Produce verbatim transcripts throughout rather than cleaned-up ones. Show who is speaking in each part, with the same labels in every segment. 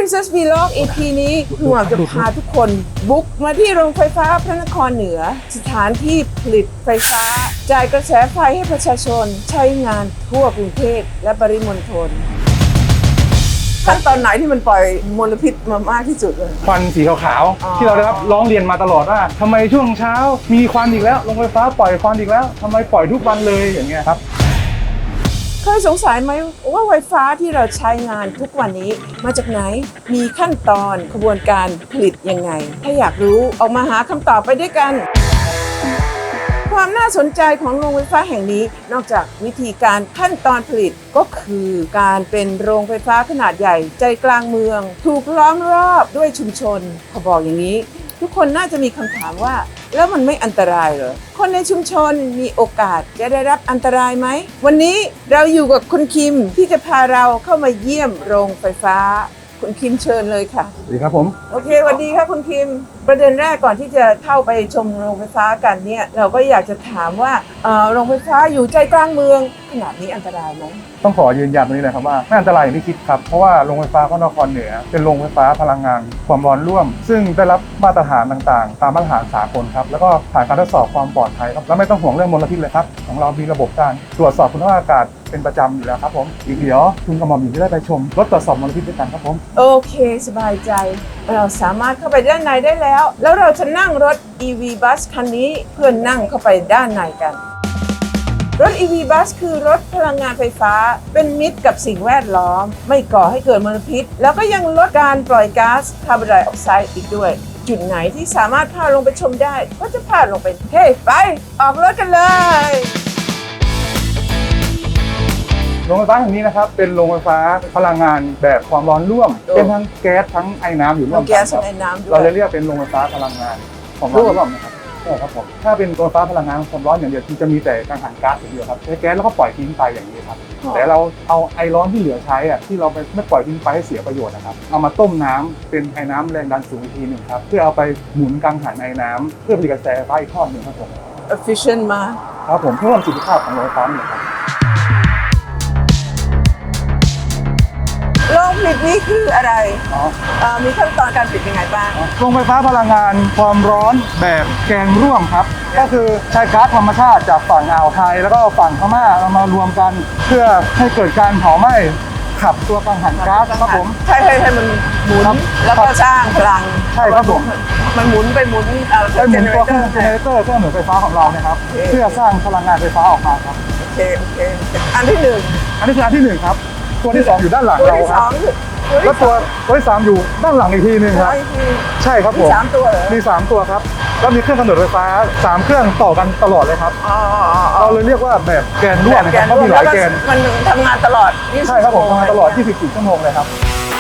Speaker 1: Princess Vlog อี พี นี้หนูจะพาทุกคนบุกมาที่โรงไฟฟ้าพระนครเหนือสถานที่ผลิตไฟฟ้าจ่ายกระแสไฟให้ประชาชนใช้งานทั่วกรุงเทพและปริมณฑลขั้นตอนไหนที่มันปล่อยมลพิษมามากที่สุดเลย
Speaker 2: ควันสีขาวๆที่เราได้รับร้องเรียนมาตลอดว่าทำไมช่วงเช้ามีควันอีกแล้วโรงไฟฟ้าปล่อยควันอีกแล้วทำไมปล่อยทุกวันเลยอย่างเงี้ยครับ
Speaker 1: เคยสงสัยไหมว่าไฟฟ้าที่เราใช้งานทุกวันนี้มาจากไหนมีขั้นตอนกระบวนการผลิตยังไงถ้าอยากรู้ออกมาหาคำตอบไปด้วยกันความน่าสนใจของโรงไฟฟ้าแห่งนี้นอกจากวิธีการขั้นตอนผลิตก็คือการเป็นโรงไฟฟ้าขนาดใหญ่ใจกลางเมืองถูกล้อมรอบด้วยชุมชนเขาบอกอย่างนี้ทุกคนน่าจะมีคำถามว่าแล้วมันไม่อันตรายเหรอคนในชุมชนมีโอกาสจะได้รับอันตรายไหมวันนี้เราอยู่กับคุณคิมที่จะพาเราเข้ามาเยี่ยมโรงไฟฟ้าคุณคิมเชิญเลยค่ะ
Speaker 2: สวัสดีครับผม
Speaker 1: โอเคสวัสดีค่ะคุณคิมประเด็นแรกก่อนที่จะเข้าไปชมโรงไฟฟ้ากันเนี่ยเราก็อยากจะถามว่าเอ่อโรงไฟฟ้าอยู่ใจกลางเมืองขนาดนี้อันตรายไหม
Speaker 2: ต้องขอยืนยันตรงนี้เลยครับว่าไม่อันตรายอย่างที่คิดครับเพราะว่าโรงไฟฟ้าพระนครเหนือเป็นโรงไฟฟ้าพลังงานความร้อนร่วมซึ่งได้รับมาตรฐานต่างๆตามมาตรฐานสากลครับแล้วก็ผ่านการทดสอบความปลอดภัยครับและไม่ต้องห่วงเรื่องมลพิษเลยครับของเรามีระบบการตรวจสอบคุณภาพอากาศเป็นประจำอยู่แล้วครับผมอีกเดี๋ยวคุณกระหม่อมหญิงจะได้ไปชมรถตรวจสอบมลพิษด้วยกันครับผม
Speaker 1: โอเคสบายใจเราสามารถเข้าไปด้านในได้แล้วแล้วเราจะนั่งรถ อี วี บัสคันนี้เพื่อนั่งเข้าไปด้านในกันรถ อี วี บัสคือรถพลังงานไฟฟ้าเป็นมิตรกับสิ่งแวดล้อมไม่ก่อให้เกิดมลพิษแล้วก็ยังลดการปล่อยก๊าซคาร์บอนไดออกไซด์อีกด้วยจุดไหนที่สามารถพาลงไปชมได้ก็จะพาลงไปเฮ้ไปออกรถกันเลย
Speaker 2: โรงไฟฟ้าแห่งนี้นะครับเป็นโรงไฟฟ้าพลังงานแบบความร้อนร่วมเป็นทั้งแก๊สทั้งไอ้น้ำอยู่ร่วมกันครับเราเลยเรียกเป็นโรงไฟฟ้าพลังงานความร้อนร่วมนะครับใช่ครับผมถ้าเป็นโรงไฟฟ้าพลังงานความร้อนอย่างเดียวที่จะมีแต่กังหันก๊าซอย่างเดียวครับใช้แก๊สแล้วก็ปล่อยทิ้งไปอย่างนี้ครับแต่เราเอาไอร้อนที่เหลือใช้อ่ะที่เราไม่ปล่อยทิ้งไปให้เสียประโยชน์นะครับเอามาต้มน้ำเป็นไอ้น้ำแรงดันสูงอีกทีหนึ่งครับเพื่อเอาไปหมุนกังหันไอ้น้ำเพื่อผลิตกระแสไฟฟ้าอีกทอดหนึ่งครับผม
Speaker 1: efficient มา
Speaker 2: ครับผมเพิ่มประสิทธิภาพของโรงไฟฟ้านี่ครับ
Speaker 1: โรงผลิตนี้คืออะไรมีขั้นตอนการผลิตยังไงบ้าง
Speaker 2: โรงไฟฟ้าพลังงานความร้อนแบบแกงร่วมครับก็คือใช้ก๊าซธรรมชาติจากฝั่งอ่าวไทยแล้วก็ฝั่งพม่าเอามารวมกันเพื่อให้เกิดการเผาไหม้ขับตัวกังหันก๊าซครับผม
Speaker 1: ใช่ให้ให้มันหมุนแล้วก็สร้างพลัง
Speaker 2: ใช่ครับผม
Speaker 1: มันหมุนไปหมุน
Speaker 2: ไปหมุนตัวเครื่องเจเนเรเตอร์เครื่องหมุนไฟฟ้าของเราเนี่ยครับเพื่อสร้างพลังงานไฟฟ้าออกมาครับ
Speaker 1: โอเคโอเคอันที่หนึ่ง
Speaker 2: อันนี้คืออันที่หนึ่งครับตัวที่สองอยู่ด้านหลังเราครับแล้วตัวตัวที่สามอยู่ด้านหลังอีกทีนึงครับใช่ครับผม
Speaker 1: มีสามตัวเหรอ
Speaker 2: มีสามตัวครับแล้วมีเครื่องกำเนิดไฟฟ้าสามเครื่องต่อกันตลอดเลยครับเราเลยเรียกว่าแบบแกนร่วมนะครับเพราะมีหลายแกน
Speaker 1: มันทำงานตลอด
Speaker 2: ใช่ครับผมทำงานตลอดยี่สิบสี่ชั่วโมงเลยครับ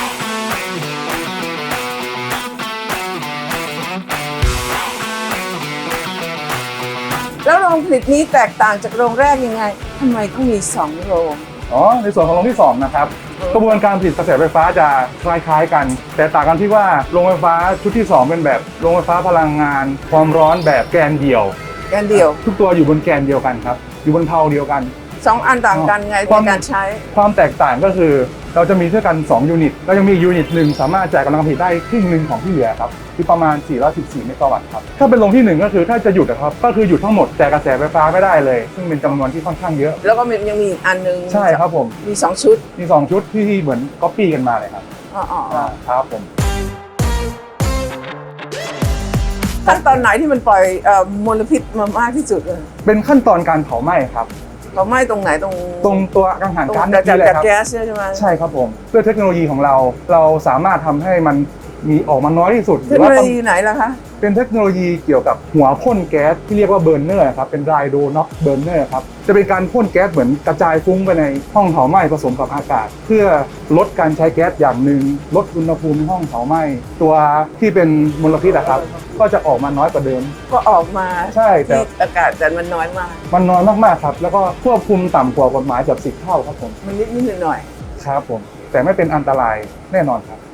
Speaker 1: แล้วโรงผลิตนี้แตกต่างจากโรงแรกยังไงทำไมต้องมีสองโรง
Speaker 2: อ๋อในส่วนของโรงที่สองนะครับกระบวนการผลิตกระแสไฟฟ้าจะคล้ายๆกันแต่ต่างกันที่ว่าโรงไฟฟ้าชุดที่สองเป็นแบบโรงไฟฟ้าพลังงานความร้อนแบบแกนเดี่ยว
Speaker 1: แกนเดี่ยว
Speaker 2: ทุกตัวอยู่บนแกนเดียวกันครับอยู่บนเพาเดียวกัน
Speaker 1: สองอันต่างกันไงในการใช้
Speaker 2: ความแตกต่างก็คือเราจะมีด้วยกันสองยูนิตแล้วยังมียูนิตหนึ่งสามารถจ่ายกำลังผลิตได้ครึ่งหนึ่งของที่เหลือครับที่ประมาณสี่ร้อยสิบสี่เมกะวัตต์ครับถ้าเป็นโรงที่หนึ่งก็คือถ้าจะหยุดนะครับก็คือหยุดทั้งหมดแต่กระแสไฟฟ้าไม่ได้เลยซึ่งเป็นจำนวนที่ค่อนข้างเยอะ
Speaker 1: แล้วก็ยังมีอีกอันนึง
Speaker 2: ใช่ครับผม
Speaker 1: มีสองชุด
Speaker 2: มีสองชุดที่เหมือนก๊อปปี้กันมาเลยครับ
Speaker 1: อ๋อ
Speaker 2: ครับผม
Speaker 1: ขั้นตอนไหนที่มันปล่อยมลพิษมามากที่สุดเลย
Speaker 2: เป็นขั้นตอนการเผาไหม้ครับ
Speaker 1: เผาไหม้ตรงไหนตรง
Speaker 2: ตรงตัวกังหันก๊าซ
Speaker 1: นี่แหละครับแก๊สใช่ไหม
Speaker 2: ใช่ครับผมด้วยเทคโนโลยีของเราเราสามารถทำให้มันมีออกมาน้อยที่สุด
Speaker 1: เทคโนโลยีไหนล่ะคะ
Speaker 2: เป็นเทคโนโลยีเกี่ยวกับหัวพ่นแก๊สที่เรียกว่าเบอร์เนอร์ครับเป็นไรโดน็อกเบอร์เนอร์ครับจะเป็นการพ่นแก๊สเหมือนกระจายฟุ้งไปในห้องเผาไหม้ผสมกับอากาศเพื่อลดการใช้แก๊สอย่างหนึ่งลดอุณหภูมิในห้องเผาไหม้ตัวที่เป็นมลพิษนะครับก็จะออกมาน้อยกว่าเดิม
Speaker 1: ก็ออกมา
Speaker 2: ใช่แต่
Speaker 1: อากาศแต่มันน้อยมาก
Speaker 2: มันน้อยมากๆครับแล้วก็ควบคุมต่ำกว่ากฎหมายเกือบสิบเท่าครับผม
Speaker 1: มันนิดนิดหน่อย
Speaker 2: ครับผมแต่ไม่เป็นอันตรายแน่นอนครับ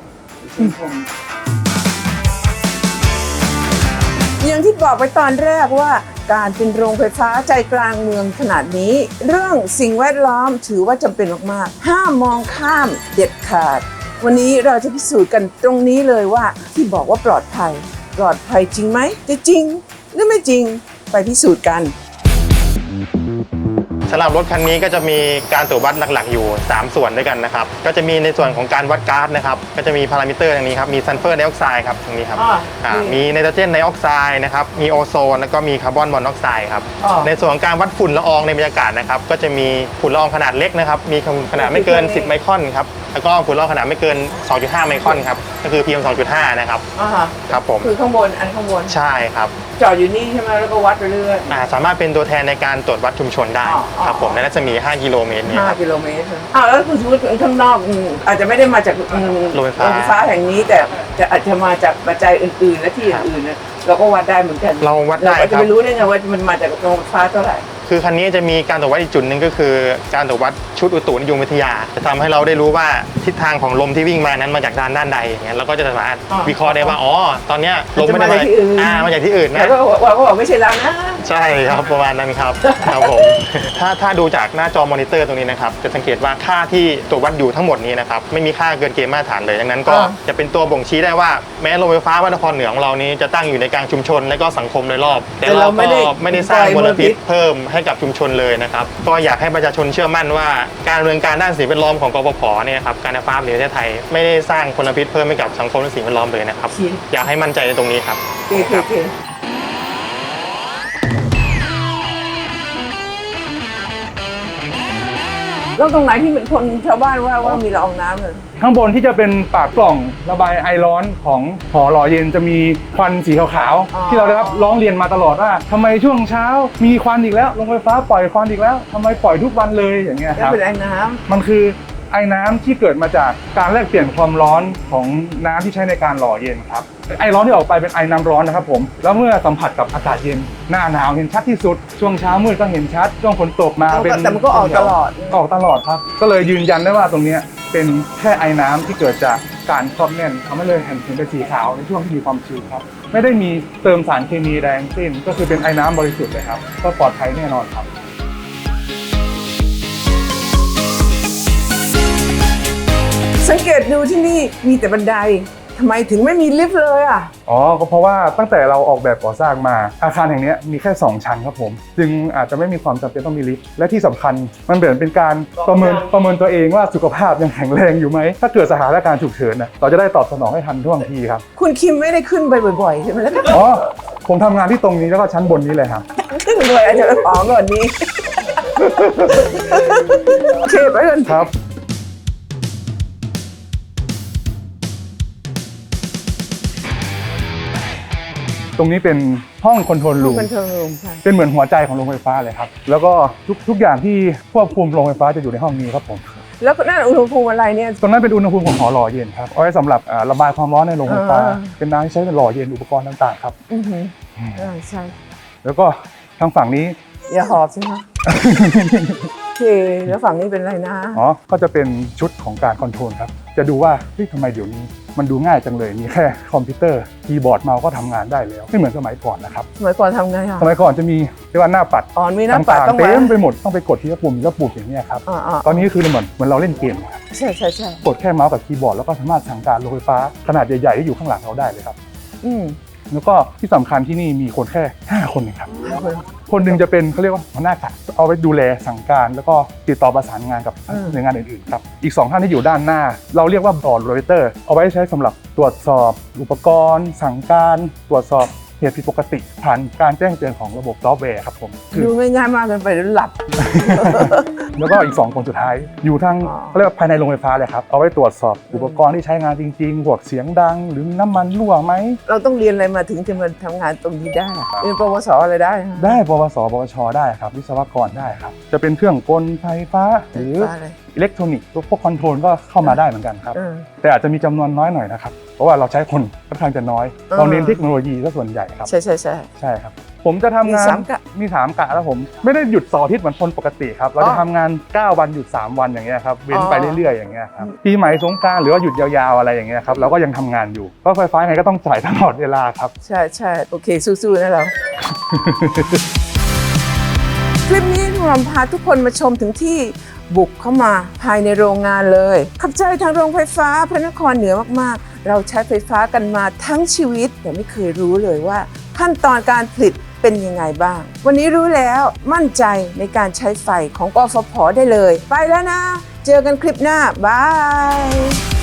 Speaker 1: อย่างที่บอกไปตอนแรกว่าการเป็นโรงไฟฟ้าใจกลางเมืองขนาดนี้เรื่องสิ่งแวดล้อมถือว่าจำเป็นมากๆห้ามมองข้ามเด็ดขาดวันนี้เราจะพิสูจน์กันตรงนี้เลยว่าที่บอกว่าปลอดภัยปลอดภัยจริงไหมจะจริงหรือไม่จริงไปพิสูจน์กัน
Speaker 3: สำหรับรถคันนี้ก็จะมีการตรวจวัดหลักๆอยู่สามส่วนด้วยกันนะครับก็จะมีในส่วนของการวัดก๊าซนะครับก็จะมีพารามิเตอร์อย่างนี้ครับมีซัลเฟอร์ไดออกไซด์ครับตรงนี้ครับมีไนโตรเจนไดออกไซด์นะครับมีโอโซนแล้วก็มีคาร์บอนมอนอกไซด์ครับในส่วนของการวัดฝุ่นละอองในบรรยากาศนะครับก็จะมีฝุ่นละอองขนาดเล็กนะครับมีขนาดไม่เกินสิบไมครอนครับแล้วก็ฝุ่นละอองขนาดไม่เกิน สองจุดห้า ไมครอนครับก็คือ พี เอ็ม สองจุดห้า นะครับครับผม
Speaker 1: คือข้างบนอันข้างบน
Speaker 3: ใช่ครับ
Speaker 1: จอดอยู่นี่ใช่ไหมแล้วก็วัดไปเรื่อย
Speaker 3: สามารถเป็นตัวแทนในการตรวจวัดชุมชนได้ครับผมในรัศมีห้ากิโลเมตรเนี่ย
Speaker 1: ห้ากิโลเมตรอ้าวแล้วคุณสมมติข้างนอกอาจจะไม่ได้มาจาก
Speaker 3: โรงไฟ
Speaker 1: ฟ้าแห่งนี้แต่จะอาจจะมาจากปัจจัยอื่นๆและที่อื่นๆเราก็วัดได้เหมือนกัน
Speaker 3: เราวัดได้
Speaker 1: เราจะไม่รู้ได้ไงว่ามันมาจากโรงไฟฟ้าเท่าไหร่
Speaker 3: คือคันนี้จะมีการตรวจวัดอีกจุดหนึ่งก็คือการตรวจวัดชุดอุตุนิยมวิทยาจะทำให้เราได้รู้ว่าทิศทางของลมที่วิ่งมานั้นมาจากด้านด้านใดอย่างเงี้ยเราก็จะสามารถวิเคราะห์ได้ว่าอ๋อตอนเนี้ยลมไม่ได้มาอ่ามาจากที่อื่นนะ
Speaker 1: แล้วก็ว่าก็บอกไม่ใช่เรานะ
Speaker 3: ใช่ครับประมาณนั้นครับครับผมถ้าถ้าดูจากหน้าจอมอนิเตอร์ตรงนี้นะครับจะสังเกตว่าค่าที่ตรวจวัดอยู่ทั้งหมดนี้นะครับไม่มีค่าเกินเกณฑ์มาตรฐานเลยดังนั้นก็จะเป็นตัวบ่งชี้ได้ว่าแม้โรงไฟฟ้าวัดนครเหนือของเรานี้จะตั้งอยู่ในกลางชุมชนและก็สังคมโดยรอบแต่เราก็ไม่ได้สร้างมลพิษเพิ่มให้กับชุมชนเลยนะครับก็อยากให้ประชาชนเชื่อมั่นว่าการดำเนินการด้านสิ่งแวดล้อมของกฟผเนี่ยครับการไฟฟ้าแห่งประเทศไทยไม่ได้สร้างมลพิษเพิ่มให้กับสังคมและสิ่งแวดล้อมเลยนะครับอยากให้มั่นใจในตรงนี้ครับ
Speaker 1: โอเคโอเคแล้วตรงไหนที่เป็นคนชาวบ้านว่าว่ามีละอองน้ำเลย
Speaker 2: ข้างบนที่จะเป็นปากกล่องระบายไอร้อนของหอหล่อเย็นจะมีควันสีขาวๆที่เราได้รับร้องเรียนมาตลอดว่าทำไมช่วงเช้ามีควันอีกแล้วโรงไฟฟ้าปล่อยควันอีกแล้วทำไมปล่อยทุกวันเลยอย่างเงี้ยครับ
Speaker 1: เป็นไอ้น้ำ
Speaker 2: มันคือไอ้น้ำที่เกิดมาจากการแลกเปลี่ยนความร้อนของน้ำที่ใช้ในการหล่อเย็นครับไอร้อนที่ออกไปเป็นไอน้ำร้อนนะครับผมแล้วเมื่อสัมผัสกับอากาศเย็นหน้าหนาวเห็นชัดที่สุดช่วงเช้ามืดก็เห็นชัดช่วงฝนตกมา
Speaker 1: เป็นแต่มันก็ออกตลอด
Speaker 2: ออกตลอดครับก็เลยยืนยันได้ว่าตรงนี้เป็นแค่ไอน้ำที่เกิดจากการครอบแน่นทำให้เลยเห็นถึงเป็นสีขาวในช่วงที่มีความชื้นครับไม่ได้มีเติมสารเคมีแรงสิ้นก็คือเป็นไอน้ำบริสุทธิ์เลยครับก็ปลอดภัยแน่นอนครับ
Speaker 1: สังเกตดูที่นี่มีแต่บันไดทำไมถึงไม่มีลิฟต์เลยอ่ะ
Speaker 2: อ๋อก็เพราะว่าตั้งแต่เราออกแบบก่อสร้างมาอาคารแห่งนี้มีแค่สองชั้นครับผมจึงอาจจะไม่มีความจำเป็นต้องมีลิฟต์และที่สำคัญมันเหมือนเป็นการประเมินประเมินตัวเองว่าสุขภาพยังแข็งแรงอยู่ไหมถ้าเกิดสถานการณ์ฉุกเฉินนะเราจะได้ตอบสนองให้ทันท่วงทีครับ
Speaker 1: คุณคิมไม่ได้ขึ้นไปบ่อยๆใช่ไหมล่ะ
Speaker 2: อ๋อผมทำงานที่ตรงนี้แล้วก็ชั้นบนนี้เลยครับ
Speaker 1: ขึ้นเลยอาจจะอ๋อก่อนนี้โอเคไปกัน
Speaker 2: ครับตรงนี้เป็นห้องคอนโทรลรูมเป็นเหมือนหัวใจของโรงไฟฟ้าเลยครับแล้วก็ทุกทุกอย่างที่ควบคุมโรงไฟฟ้าจะอยู่ในห้องนี้ครับผม
Speaker 1: แล้วนั่นอุณหภูมิอะไรเนี่ย
Speaker 2: ตรงนั้นเป็นอุณหภูมิของหอหล่อเย็นครับเอาไว้สำหรับระบายความร้อนในโรงไฟฟ้าเป็นน้ำที่ใช้ในหล่อเย็นอุปกรณ์ต่างๆครับ
Speaker 1: อือฮึใช่
Speaker 2: แล้วก็ทางฝั่งนี้
Speaker 1: อย่าหอบใช่ไหมโอเคแล้วฝั่งนี้เป็นอะไรนะ
Speaker 2: อ๋อก็จะเป็นชุดของการคอนโทรลครับจะดูว่าเฮ้ยทำไมเดี๋ยวนี้มันดูง่ายจังเลยมีแค่คอมพิวเตอร์คีย์บอร์ดเมาส์ก็ทำงานได้แล้วไม่เหมือนสมัยก่อนนะครับ
Speaker 1: สมัยก่อนทำไงคะ
Speaker 2: สมัยก่อนจะมีเรียกว่าหน้าปัด
Speaker 1: อ๋อมีหน้าปัด
Speaker 2: เต็มไปหมดต้องไปกดที่ปุ่มแล้วปุ่มอย่างนี้ครับตอนนี้คือเหมือนเหมือนเราเล่นเกมครับ
Speaker 1: ใช่ใช่ใช่
Speaker 2: กดแค่เมาส์กับคีย์บอร์ดแล้วก็สามารถสั่งการโรงไฟฟ้าขนาดใหญ่ๆที่อยู่ข้างหลังเราได้เลยครับ
Speaker 1: อืม
Speaker 2: แล้วก็ที่สำคัญที่นี่มีคนแค่ห้าคนเองครับคนหนึ่งจะเป็นเขาเรียกว่าหัวหน้ากะเอาไว้ดูแลสั่งการแล้วก็ติดต่อประสานงานกับหน่วยงานอื่นๆครับอีกสองท่านที่อยู่ด้านหน้าเราเรียกว่าบอร์ดโรเตอร์เอาไว้ใช้สำหรับตรวจสอบอุปกรณ์สั่งการตรวจสอบเหตุผิดปกติผ่านการแจ้งเตือนของระบบซอฟต์แวร์ครับผม
Speaker 1: ดูง่ายๆมากเกินไปแล้วหลับ
Speaker 2: แล้วก็อีกสองคนสุดท้ายอยู่ทางเขาเรียกว่าภายในโรงไฟฟ้าเลยครับเอาไว้ตรวจสอบอุปกรณ์ที่ใช้งานจริงๆพวกเสียงดังหรือน้ำมันรั่วไหม
Speaker 1: เราต้องเรียนอะไรมาถึงจะมาทำงานตรงนี้ได้เรียนปวสอะไรได้
Speaker 2: ได้ปวสปวชได้ครับวิศวกรได้ครับจะเป็นเครื่องกลไฟฟ้าหรืออิเล็กทรอนิกส์พวกคอนโทรลก็เข้ามาได้เหมือนกันครับแต่อาจจะมีจำนวนน้อยหน่อยนะครับเพราะว่าเราใช้คนค่อนข้างจะน้อยเราเน้นเทคโนโลยีซะส่วนใหญ่ครับ
Speaker 1: ใช่ใช่ใช่
Speaker 2: ใช่ครับผมจะทำงานมีสามกะแล้วผมไม่ได้หยุดเสาร์อาทิตย์เหมือนคนปกติครับเราจะทำงานเก้าวันหยุดสามวันอย่างเงี้ยครับเว้นไปเรื่อยๆอย่างเงี้ยครับปีใหม่สงกรานต์หรือว่าหยุดยาวๆอะไรอย่างเงี้ยครับเราก็ยังทำงานอยู่เพราะไฟฟ้าไงก็ต้องจ่ายตลอดเวลาครับ
Speaker 1: ใช่ใช่โอเคสู้ๆนะเราคลิปนี้ดูรมพาทุกคนมาชมถึงที่บุกเข้ามาภายในโรงงานเลยขอบใจทางโรงไฟฟ้าพระนครเหนือมากๆเราใช้ไฟฟ้ากันมาทั้งชีวิตแต่ไม่เคยรู้เลยว่าขั้นตอนการผลิตเป็นยังไงบ้างวันนี้รู้แล้วมั่นใจในการใช้ไฟของกฟผ.ได้เลยไปแล้วนะเจอกันคลิปหน้าบาย